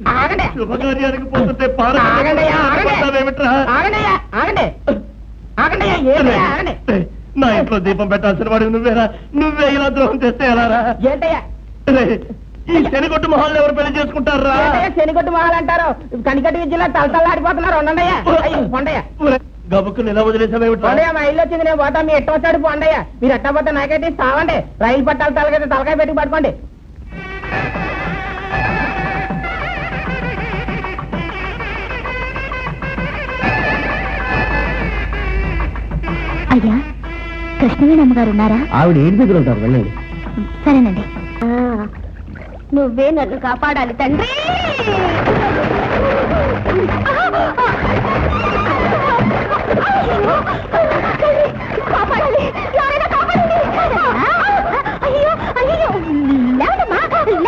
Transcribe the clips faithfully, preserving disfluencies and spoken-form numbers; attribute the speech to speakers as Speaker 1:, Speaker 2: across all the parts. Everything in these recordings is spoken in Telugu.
Speaker 1: శుభకార్యానికి పోతుంటే నా ఇంట్లో దీపం పెట్టాల్సిన వాడు నువ్వేరా? నువ్వే ఇలా ద్రోహం చేస్తే ఎలారా? ఏంటయ్యా ఈ శనిగొట్టు మొహాలను ఎవరు పెళ్లి చేసుకుంటారా? శనిగొట్టు మొహాలు అంటారు. కనికటి విద్యలో తలతల్లాడిపోతున్నారు. ఉండయ్యా గబుక్కులు ఇలా వదిలేసామేమిటయ్యా? మా ఇల్లు వచ్చింది, నేను పోతా. మీ ఎట్ట వచ్చాడు పోండయ్యా. మీరు ఎట్ట పోతే నాకైతే సావండి. రైలు పట్టాలి తలకైతే తలకాయ పెట్టి పట్టుకోండి.
Speaker 2: అయ్యా, కృష్ణవేణమ్మ గారు ఉన్నారా?
Speaker 1: ఆవిడ ఏం దగ్గర ఉంటారు, వెళ్ళండి.
Speaker 2: సరేనండి. నువ్వే నన్ను కాపాడాలి తండ్రి. కాపాడాలి, ఎవరైనా కాపాడండి. అయ్యో అయ్యో, లేవడమ్మా,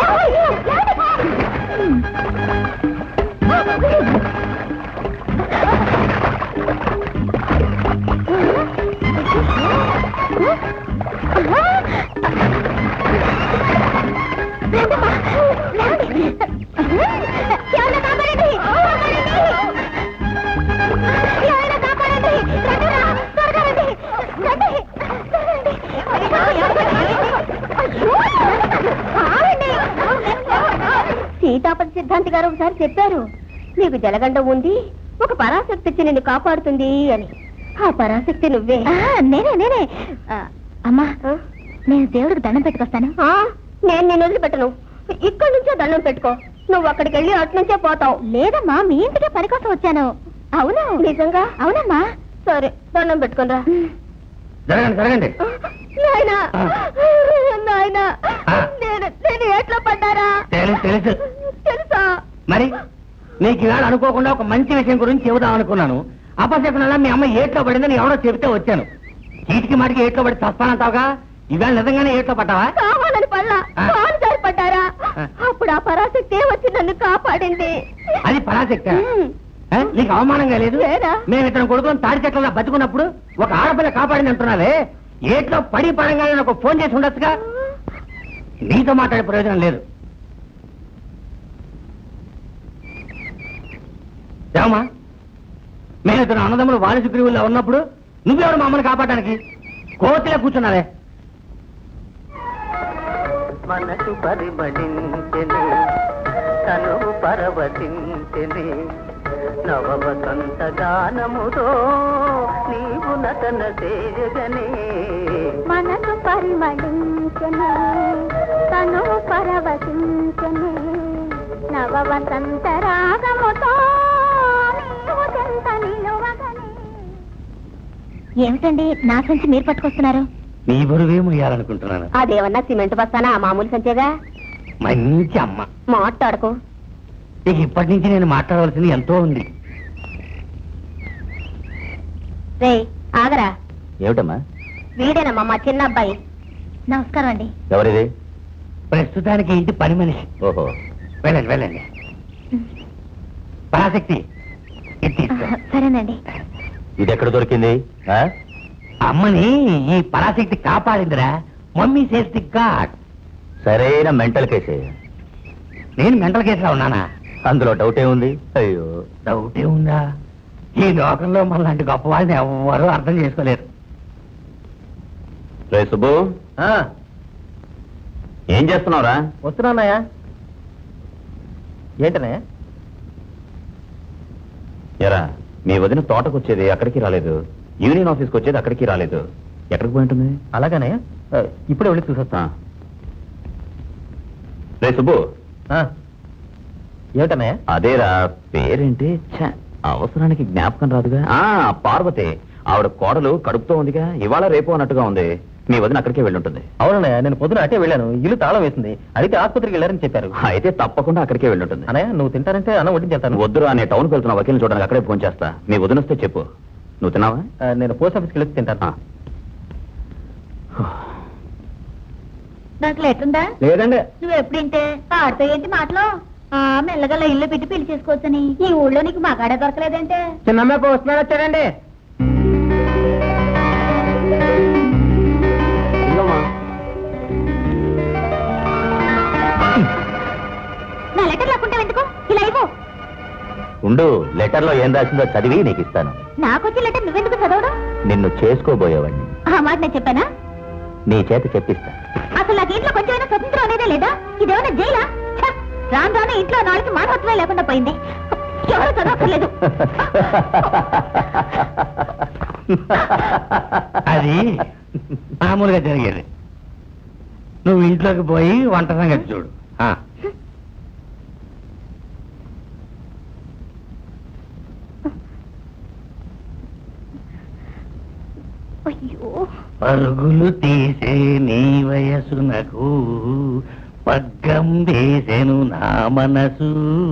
Speaker 2: సీతాపతి సిద్ధాంతి గారు ఒకసారి చెప్పారు, నీకు జలగండం ఉంది, ఒక పరాశక్తి వచ్చి నిన్ను కాపాడుతుంది అని. ఆ పరాశక్తి నువ్వే. నేనే నేనే అమ్మా, నేను దేవుడికి దండం పెట్టుకొస్తాను. నేను నేను వదిలిపెట్టను. ఇక్కడి నుంచే దండం పెట్టుకో. నువ్వు అక్కడికి వెళ్ళి అటు నుంచే పోతావు. లేదమ్మా, మీ ఇంటికే పని కోసం వచ్చాను. అవును, నిజంగా? అవునమ్మా. సరే, దండం పెట్టుకుని రా.
Speaker 1: జరగండి జరగండి.
Speaker 2: నాయనా నాయనా, నేను నేను ఎట్లా పడ్డారా?
Speaker 1: తెలుసు
Speaker 2: తెలుసా?
Speaker 1: మరి నీకు ఇవాళ అనుకోకుండా ఒక మంచి విషయం గురించి చెబుదాం అనుకున్నాను. అపశకునంలా మీ అమ్మ ఏట్లో పడిందని ఎవరో చెబితే వచ్చాను. చీటికి మాటికి ఏట్లో పడి చస్తానంటావుగా, ఇవాళ నిజంగానే ఏట్లో పడ్డావా?
Speaker 2: కావాలని పడ్డా, కాలు జారి పడ్డారా? అప్పుడు ఆ పరాశక్తి వచ్చి నన్ను కాపాడింది.
Speaker 1: అది పరాశక్తి? నీకు అవమానంగా లేదు? మేము ఇతను కొడుకుని తాడి చెట్ల బతుకున్నప్పుడు ఒక ఆడపిల్ల కాపాడింది అంటున్నావే, ఏట్లో పడి పడంగానే నాకు ఫోన్ చేసి ఉండొచ్చుగా. నీతో మాట్లాడే ప్రయోజనం లేదు. ఏమా, మేము ఇతను అన్నదమ్ములు వాణి సుగ్రీవుల్లో ఉన్నప్పుడు నువ్వెవరు మా అమ్మని కాపాడడానికి? కోతిలో కూర్చున్నావే.
Speaker 3: మనసు పరిమళించెనే, తను పరవశించెనే, నవ వసంత గానముతో నీవు నటన చేయగనే.
Speaker 2: మనసు పరిమళించెనే, తను పరవశించెనే, నవ వసంత రాగముతో నీవు చెంత నిలువగనే. ఏమిటండి నా సంచి మీరు పట్టుకొస్తున్నారు?
Speaker 1: నీ బరువే మొయ్యాలనుకుంటున్నాను.
Speaker 2: అదేమన్నా సిమెంట్ బస్తానా? మామూలు సంచేగా.
Speaker 1: మంచి అమ్మ,
Speaker 2: మాట్లాడుకో.
Speaker 1: ఇక ఇప్పటి నుంచి నేను మాట్లాడవలసింది ఎంతో ఉంది.
Speaker 2: రే ఆగరా.
Speaker 4: ఏమిటమ్మా?
Speaker 2: వీడేనమ్మా మా చిన్న అబ్బాయి. నమస్కారం అండి.
Speaker 4: ఎవరిది?
Speaker 1: ప్రస్తుతానికి ఇంటి పని మనిషి.
Speaker 4: ఓహో,
Speaker 1: వెళ్ళండి వెళ్ళండి. పరాశక్తి, ఇది తీసుకో.
Speaker 2: సరేనండి.
Speaker 4: ఇది ఎక్కడ దొరికింది?
Speaker 1: అమ్మని ఈ పరాశక్తి కాపాడిందిరా. Mummy says the god.
Speaker 4: సరైన మెంటల్ కేసే.
Speaker 1: నేను మెంటల్ కేసులో ఉన్నానా?
Speaker 4: అందులో డౌటే ఉంది. అయ్యో,
Speaker 1: డౌటే ఉందా? ఈ లోకంలో మనలాంటి గొప్ప వాళ్ళని ఎవ్వరూ అర్థం చేసుకోలేరు.
Speaker 4: రే సుబ్బు, ఏం చేస్తున్నావురా?
Speaker 1: వస్తున్నానయ్యా. ఏంటనే?
Speaker 4: ఎరా, మీ వదిన తోటకు వచ్చేది అక్కడికి రాలేదు, యూనియన్ ఆఫీస్కి వచ్చేది అక్కడికి రాలేదు. ఎక్కడికి పోయి ఉంటుంది?
Speaker 1: అలాగనే, ఇప్పుడే వెళ్ళి చూసొస్తా.
Speaker 4: రే సుబ్బు,
Speaker 1: ఏమిటన్నయ్య?
Speaker 4: అదేరా, పేరేంటి? ఛ, అవసరానికి జ్ఞాపకం రాదుగా. ఆ పార్వతి, ఆవిడ కోడలు కడుపుతో ఉందిగా, ఇవాళ రేపు అన్నట్టుగా ఉంది. మీ వదిన అక్కడికే వెళ్ళుంటుంది.
Speaker 1: అవునన్నయ్య, నేను పొద్దున అటే వెళ్ళాను. ఇల్లు తాళం వేసింది. అయితే ఆసుపత్రికి వెళ్ళారని చెప్పారు.
Speaker 4: అయితే తప్పకుండా అక్కడికే వెళ్ళుంటుంది.
Speaker 1: అన్నయ్య, నువ్వు తింటానంటే అన్నం వడ్డించేస్తాను.
Speaker 4: వద్దురా, నేను టౌన్కి వెళ్తున్నా, వకీల్ని చూడడానికి అక్కడే ఫోన్ చేస్తా. మీ వదిన వస్తే చెప్పు. నువ్వు తిన్నావా?
Speaker 1: నేను పోస్ట్ ఆఫీస్కి వెళ్ళి తింటాను.
Speaker 2: నాకు లేటుందా?
Speaker 1: లేదండి.
Speaker 2: నువ్వు ఎప్పుడింటే ఆడితో ఏంటి మాటలో? ఆ మెల్లగా ఇల్లు పెట్టి పెళ్లి చేసుకోవచ్చని. ఈ ఊళ్ళో నీకు మగాడే దొరకలేదంటే?
Speaker 1: చిన్నమ్మాయి పోస్ట్ మ్యాన్ వచ్చాడండి.
Speaker 2: నా లెటర్ లేకుంటే ఎందుకు ఇలా ఇవ్వు.
Speaker 4: ఉండు, లెటర్ లో ఏం రాసిందో చదివి నీకు ఇస్తాను.
Speaker 2: నాకు వచ్చే లెటర్ నువ్వెందుకు చదవడం?
Speaker 4: నిన్ను చేసుకోబోయేవాడిని.
Speaker 2: ఆ మాట నేను చెప్పానా?
Speaker 4: నీ చేత చెప్పిస్తా.
Speaker 2: అసలు నాకు ఇంట్లో కొంచెమైనా స్వతంత్రం అనేదే లేదా? ఇదేమైనా జైలా? ఛ! రాను రాను ఇంట్లో నాలుగు మానవత్వమే లేకుండా పోయింది. ఎవరు చదవక్కర్లేదు.
Speaker 1: అది మామూలుగా జరిగేది. నువ్వు ఇంట్లోకి పోయి వంట సంగతి చూడు. ఆ.
Speaker 2: అయ్యో,
Speaker 1: పరుగులు తీసే నీ వయసునకు పగ్గం వేసెను నా మనసు,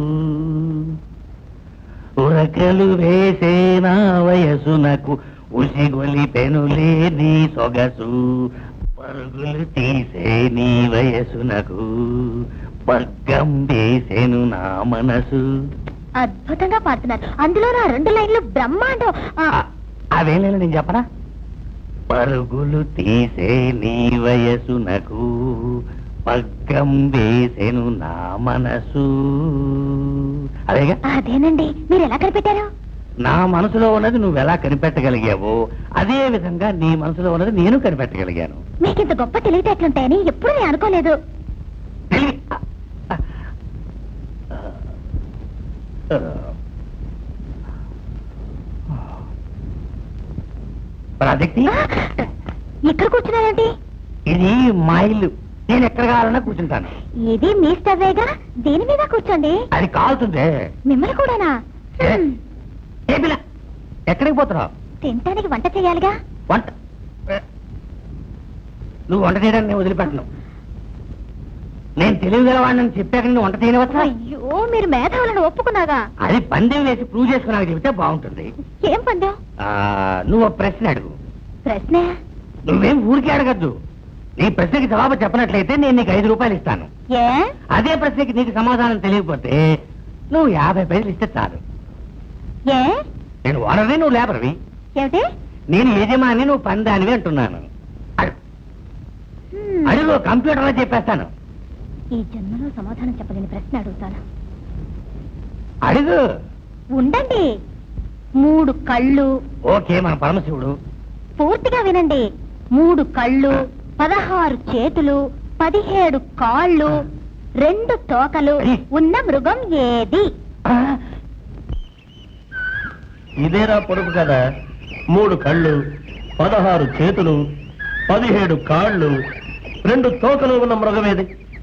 Speaker 1: ఉరకలు వేసే నా వయసునకు ఉసిగొలి పెనులే నీ సొగసు. పరుగులు తీసే నీ వయసునకు పగ్గం వేసెను నా మనసు.
Speaker 2: అద్భుతంగా పాడుతున్నారు. అందులో నా రెండు లైన్లు బ్రహ్మాండం. ఆ,
Speaker 1: అదేం లేదు, నేను చెప్పనా? పరుగులు తీసే నీ వయసునకు పగ్గం వేసెను నా మనసు. అదేగా?
Speaker 2: అదేనండి. మీరు ఎలా కనిపెట్టారు?
Speaker 1: నా మనసులో ఉన్నది నువ్వు ఎలా కనిపెట్టగలిగావో అదే విధంగా నీ మనసులో ఉన్నది నేను కనిపెట్టగలిగాను.
Speaker 2: మీకింత గొప్ప తెలివితేటలుంటాయని ఎప్పుడూ నేను అనుకోలేదు.
Speaker 1: ప్రాజెక్ట్
Speaker 2: ఇక్కడ కూర్చున్నారండి?
Speaker 1: ఇది మా ఇల్లు. నేను ఎక్కడ కావాలన్నా కూర్చుంటాను.
Speaker 2: ఇది మీ స్టవేగా, దేని మీద కూర్చోండి.
Speaker 1: అది కాలుతుందే.
Speaker 2: మిమ్మల్ని కూడానా?
Speaker 1: ఏ?
Speaker 2: హ్మ్.
Speaker 1: ఏ పిల్ల, ఎక్కడికి పోతున్నావు?
Speaker 2: తినటానికి వంట చేయాలిగా.
Speaker 1: వంట ఏ? నువ్వు వంట చేయడానికి నేను వదిలిపెట్టను. నేను తెలివిగలవాడిని చెప్పాక నువ్వు వంట చేయవచ్చా?
Speaker 2: అయ్యో, మీరు మేధావులను ఒప్పుకున్నాగా.
Speaker 1: అది పందెం వేసి ప్రూవ్ చేసుకున్నాక చెబితే బాగుంటుంది.
Speaker 2: ఏం పందాం?
Speaker 1: ఆ, నువ్వు ఒక ప్రశ్న అడుగు.
Speaker 2: ప్రశ్న?
Speaker 1: నువ్వేం ఊరికే అడగద్దు. నీ ప్రశ్నకి జవాబు చెప్పనట్లయితే నేను నీకు ఐదు రూపాయలు ఇస్తాను.
Speaker 2: ఏ?
Speaker 1: అదే ప్రశ్నకి నీకు సమాధానం తెలియకపోతే నువ్వు యాభై పైసలు ఇస్తే చాలు.
Speaker 2: ఏ?
Speaker 1: నేను ఓనర్ని, నువ్వు లేబర్వి.
Speaker 2: ఏమిటి?
Speaker 1: నేను యజమాని, నువ్వు పందానివి అంటున్నాను. అడుగు.
Speaker 2: హ్మ్.
Speaker 1: అడుగు, కంప్యూటర్లో చెప్పేస్తాను.
Speaker 2: ఈ జన్మలో సమాధానం చెప్పలేని ప్రశ్న అడుగుతాను.
Speaker 1: అడుగు.
Speaker 2: ఉండండి. మూడు కళ్ళు.
Speaker 1: ఓకే, మన పరమశివుడు.
Speaker 2: పూర్తిగా వినండి. మూడు కళ్ళు, పదహారు చేతులు, పదిహేడు కాళ్ళు, రెండు తోకలు ఉన్న మృగం ఏది?
Speaker 1: ఆ, ఇదేరా పొడుపు కదా. మూడు కళ్ళు, పదహారు చేతులు, పదిహేడు కాళ్ళు, రెండు తోకలు ఉన్న మృగమేది?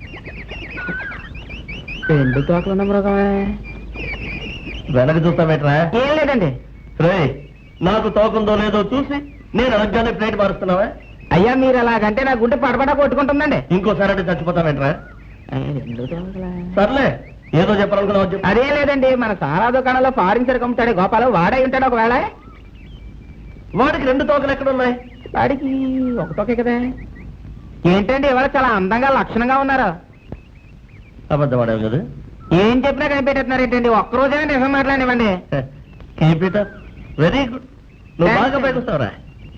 Speaker 1: రెండు తోకలు ఉన్న మృగమే. వెనక చూస్తామేట్రా? ఏం లేదండి. రే, నాకు తోకందో లేదో చూసి నేను అడగగానే ప్లేట్ మారుస్తున్నావా? అయ్యా, మీరు అలాగంటే నా గుండె పడపడా కొట్టుకుంటుందండి. ఇంకోసారి అంటే చచ్చిపోతామేట్రా? సర్లే, ఏదో చెప్పాలనుకున్నావు చెప్పు. అదే లేదండి, మన సారా దుకాణంలో ఫారిన్ సరుకు అమ్ముతాడే గోపాలు, వాడే ఉంటాడు ఒకవేళ. వాడికి రెండు తోకలు ఎక్కడున్నాయి? వాడికి ఒక తోకే కదా. ఏంటండి ఇవాళ చాలా అందంగా లక్షణంగా ఉన్నారు. అబద్ధం ఆడావు కదా. ఏం చెప్పినా కనిపెట్టేస్తున్నారు ఏంటండి? ఒక్కరోజైనా నిజం మాట్లాడివ్వండి. వెరీ గుడ్, నువ్వు బాగా పైకి వస్తావురా.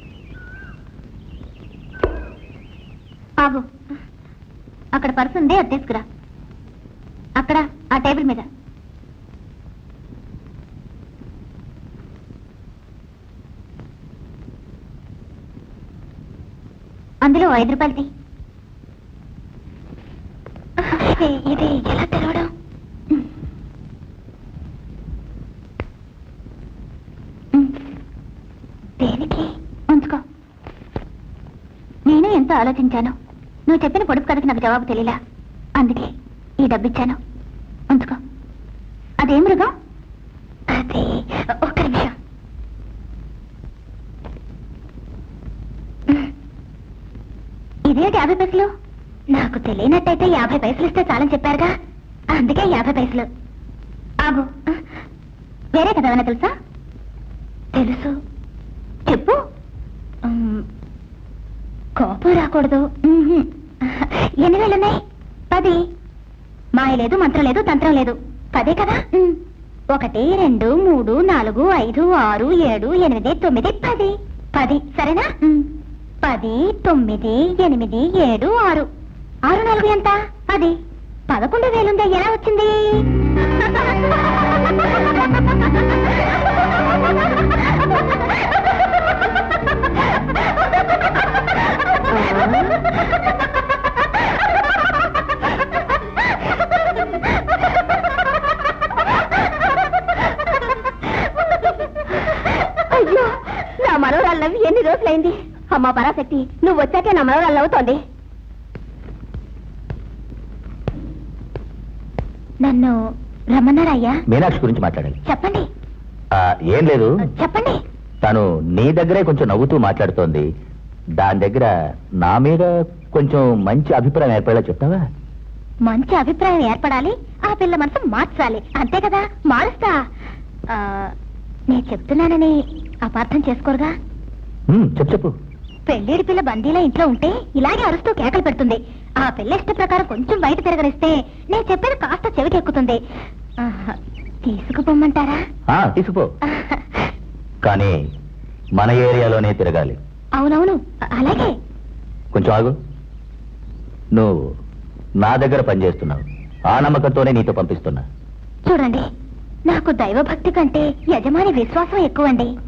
Speaker 2: ఆగు. అక్కడ పర్సు ఉంది, అది తీసుకురా. అక్కడ ఆ టేబుల్ మీద. అందులో ఐదు రూపాయలది. ఇది ఎలా తెరవడం? దేనికి? ఉంచుకో. నేనే ఎంతో ఆలోచించాను. నువ్వు చెప్పిన పొడుపు కథకి నాకు జవాబు తెలియలా, అందుకే ఈ డబ్బిచ్చాను. ఉంచుకో. అదేం మృగం? అది ఒక్క నిమిషం. ఇదేంటి యాభై పైసలు? నాకు తెలియనట్టయితే యాభై పైసలు ఇస్తే చాలని చెప్పారుగా, అందుకే యాభై పైసలు. ఆగు, వేరే కదా ఏమైనా తెలుసా? తెలుసు. చెప్పు. ఉమ్, కోపం రాకూడదు. ఉహుం. ఎన్ని వేలున్నాయి? పది. మాయ లేదు, మంత్రం లేదు, తంత్రం లేదు. పదే కదా. ఉమ్. ఒకటి, రెండు, మూడు, నాలుగు, ఐదు, ఆరు, ఏడు, ఎనిమిది, తొమ్మిది, పది. పది సరేనా? ఉమ్. పది, తొమ్మిది, ఎనిమిది, ఏడు, ఆరు. ఆరు నాలుగు ఎంత? పది. పదకొండు వేలుందా? ఎలా వచ్చింది? రోజులైంది అమ్మా పరాశక్తి నువ్వు వచ్చాకే నా మనవరాలు అవుతోంది. నన్ను రమ్మన్నారయ్యా.
Speaker 4: మీనాక్షి గురించి మాట్లాడాలి.
Speaker 2: చెప్పండి.
Speaker 4: ఆ, ఏం లేదు,
Speaker 2: చెప్పండి.
Speaker 4: తను నీ దగ్గరే కొంచెం నవ్వుతూ మాట్లాడుతోంది. దాని దగ్గర నా మీద కొంచెం మంచి అభిప్రాయం ఏర్పడేలా చెప్తావా?
Speaker 2: మంచి అభిప్రాయం ఏర్పడాలి, ఆ పిల్ల మనసు మార్చాలి, అంతే కదా. మారుస్తా. ఆ, నేను చెప్తున్నానని అపార్థం చేసుకోరుగా?
Speaker 4: ఉమ్, చెప్పు చెప్పు.
Speaker 2: పెళ్ళేడి పిల్ల బందీలా ఇంట్లో ఉంటే ఇలాగే అరుస్తూ కేకలు పెడుతుంది. ఆ పిల్ల ఇష్ట ప్రకారం కొంచెం బయట తిరగనిస్తే నేను చెప్పేది కాస్త చెవికెక్కుతుంది. ఆహా, తీసుకుపోమ్మంటారా?
Speaker 4: ఆ, తీసుకుపో. కానీ మన ఏరియాలోనే తిరగాలి.
Speaker 2: అవునవును, అలాగే.
Speaker 4: కొంచెం ఆగు. నువ్వు నా దగ్గర పనిచేస్తున్నావు, ఆ నమ్మకంతోనే నీతో పంపిస్తున్నా.
Speaker 2: చూడండి, నాకు దైవభక్తి కంటే యజమాని విశ్వాసం ఎక్కువండి.